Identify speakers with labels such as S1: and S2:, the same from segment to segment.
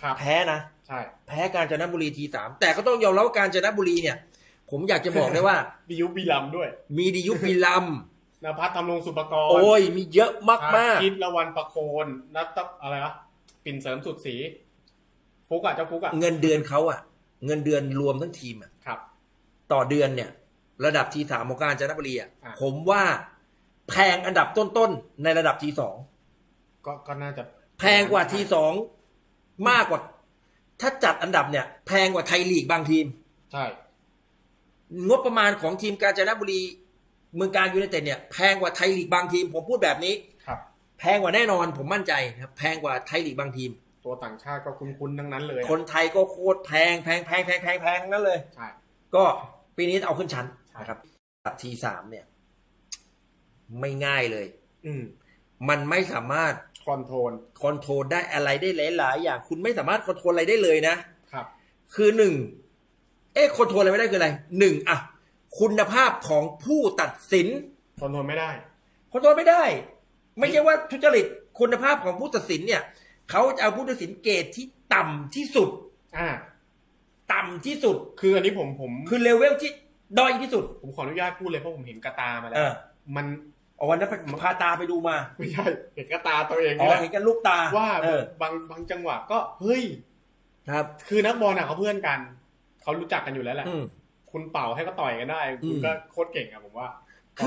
S1: แพ้นะ
S2: ใช่
S1: แพ้กาญจนบุรีT3แต่ก็ต้องยอมรับว่ากาญจนบุรีเนี่ยผมอยากจะบอกได้ว่า
S2: มียุบมีลำด้วย
S1: มีดิยุปมีลำ
S2: นภัสทำรงสุปกรณ์
S1: โอ้ยมีเยอะมาก
S2: คิดละวันประโคนนัทอะไรวะปิ่นเสริมสุดสีฟุกอ่ะเจ้าฟุกอ่ะ
S1: เงินเดือนเขาอ่ะเงินเดือนรวมทั้งทีมอ่ะ
S2: ครับ
S1: ต่อเดือนเนี่ยระดับT3ของกาญจนบุรีอ่ะผมว่าแพงอันดับต้นๆในระดับT2
S2: ก็น่าจะ
S1: แพงกว่าT2มากกว่าถ้าจัดอันดับเนี่ยแพงกว่าไทยลีกบางทีม
S2: ใช่
S1: งบประมาณของทีมกาญจนบุรีเมืองการยูไนเต็ดเนี่ยแพงกว่าไทยลีกบางทีมผมพูดแบบนี้
S2: ครับ
S1: แพงกว่าแน่นอนผมมั่นใจครับแพงกว่าไทยลีกบางทีม
S2: ตัวต่างชาติก็คุ้นๆทั้งนั้นเลย
S1: คนไทยก็โคตรแพงนั่นเลย
S2: ใช่
S1: ก็ปีนี้เอาขึ้นชั้นนะครับT3เนี่ยไม่ง่ายเลยมันไม่สามารถ
S2: คอนโทร
S1: ลได้อะไรได้หลายๆอย่างคุณไม่สามารถคอนโทรลอะไรได้เลยนะครับคือหนึ่งคอนโทรลอะไรไม่ได้คืออะไรหนึ่งอะคุณภาพของผู้ตัดสิน
S2: คอนโทรลไม่ได้
S1: ไม่ใช่ว่าทุจริตคุณภาพของผู้ตัดสินเนี่ยเขาจะเอาผู้ตัดสินเกรดที่ต่ำที่สุดต่ำที่สุด
S2: คืออันนี้ผม
S1: คือเลเวลที่ด้อยที่สุด
S2: ผมขออนุญาตพูดเลยเพราะผมเห็นกระตามาแล้วมัน
S1: วันนั้นพาตาไปดูมา
S2: ไม่ใช่เห็นกระตาตัวเอง
S1: เห็นกันลูกตา
S2: ว่าบางจังหวะก็เฮ้ย
S1: ครับ
S2: คือนักบอลเขาเพื่อนกันเขารู้จักกันอยู่แล้วแหละคุณเป่าให้ก็ต่อยกันได้คุณก็โคตรเก่งอะผมว่า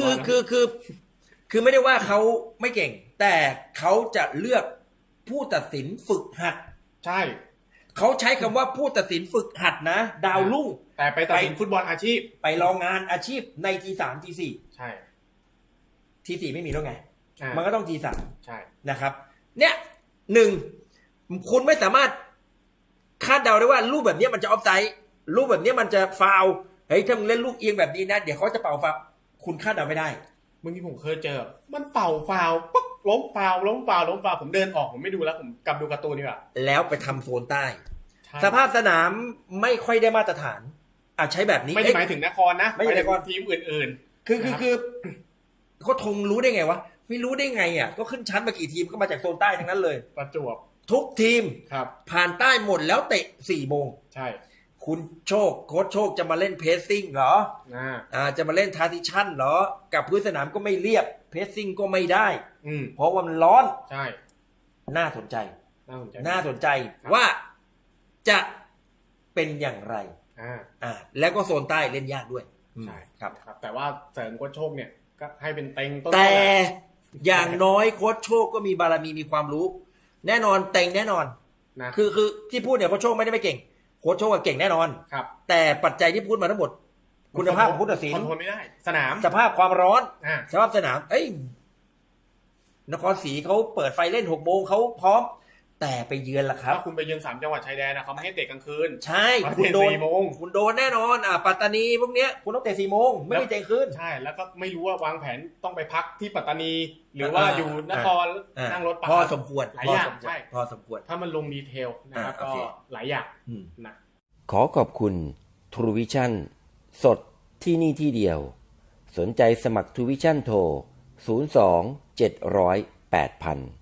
S1: คือไม่ได้ว่าเขาไม่เก่งแต่เขาจะเลือกผู้ตัดสินฝึกหัด
S2: ใช่
S1: เขาใช้คำว่าผู้ตัดสินฝึกหัดนะดาวรุ่ง
S2: แต่ไปตัดสินฟุตบอลอาชีพ
S1: ไปลองงานอาชีพใน T3 T4
S2: ใช่
S1: T4 ไม่มีแล้วไงมันก็ต้อง T3
S2: ใช่
S1: นะครับเนี่ยหนึ่งคุณไม่สามารถคาดเดาได้ว่ารูปแบบนี้มันจะออฟไซด์รูปแบบนี้มันจะฟาวล์เฮ้ยถ้ามึงเล่นลูกเอียงแบบนี้นะเดี๋ยวเขาจะเป่าฟาวล์คุณคาดเดาไม่ได้
S2: เมื่อกี้ผมเคยเจอมันเป่าฟาวล์ปุ๊บล้มฟาวล์ผมเดินออกผมไม่ดูแล้วผมกลับดูการ์ตูนดีกว่า
S1: แล้วไปทำโซนใต้สภาพสนามไม่ค่อยได้มาตรฐานใช้แบบนี้
S2: ไม่ได้หมายถึงนครนะ
S1: ไม่ใช่นคร
S2: ทีมอื่น
S1: ๆคือเขาทงรู้ได้ไงวะไม่รู้ได้ไงอ่ะก็ขึ้นชั้นมากี่ทีมก็มาจากโซนใต้ทั้งนั้นเลย
S2: ประจวบ
S1: ทุกทีม
S2: ครับ
S1: ผ่านใต้หมดแล้วเตะ 4 โมง
S2: ใช่
S1: คุณโค้ชโชคจะมาเล่นเพสซิ่งเหรอจะมาเล่นทาร์ติชั่นเหรอกับพื้นสนามก็ไม่เรียบเพสซิ่งก็ไม่ได้เพราะว่ามันร้อน
S2: ใช่
S1: น่าสนใจว่าจะเป็นอย่างไรแล้วก็โซนใต้เล่นยากด้วย
S2: ใช่ครับแต่ว่าเสริมโค้ชโชคเนี่ยก็ให้เป็นเต็งต้น
S1: แต่อย่างน้อยโค้ชโชคก็มีบารมีมีความรู้แน่นอนเต็งแน่นอน
S2: นะ
S1: คือที่พูดเนี่ยโค้ชโชคไม่ได้ไม่เก่งโค้ชโชคเก่งแน่นอน
S2: ครับ
S1: แต่ปัจจัยที่พูดมาทั้งหมดคุณภาพของผู้ตัดสิน
S2: คอนโทรลไม่ได้สนาม
S1: สภาพความร้อนสภาพสนามนครศรีเขาเปิดไฟเล่น6 โมงเขาพร้อมแต่ไปเยือนล่ะครับ
S2: ถ้าคุณไปเยือน3 จังหวัดชายแดนนะเขาไม่ให้เตะกลางคืน
S1: ใช่คุณโดนแน่นอนปัตตานีพวกเนี้ยคุณต้องเตะ4 โมงไม่มีเตะคืน
S2: ใช่แล้วก็ไม่รู้ว่าวางแผนต้องไปพักที่ปัตตานีหรือว่าอยู่นครนั่งรถ
S1: พอสมควร
S2: หลายอย่างใช่
S1: พอสมควร
S2: ถ้ามันลงดีเทลนะครับก็หลายอย่างนะ
S3: ขอขอบคุณ True Vision สดที่นี่ที่เดียวสนใจสมัคร True Vision โทร02 700 8000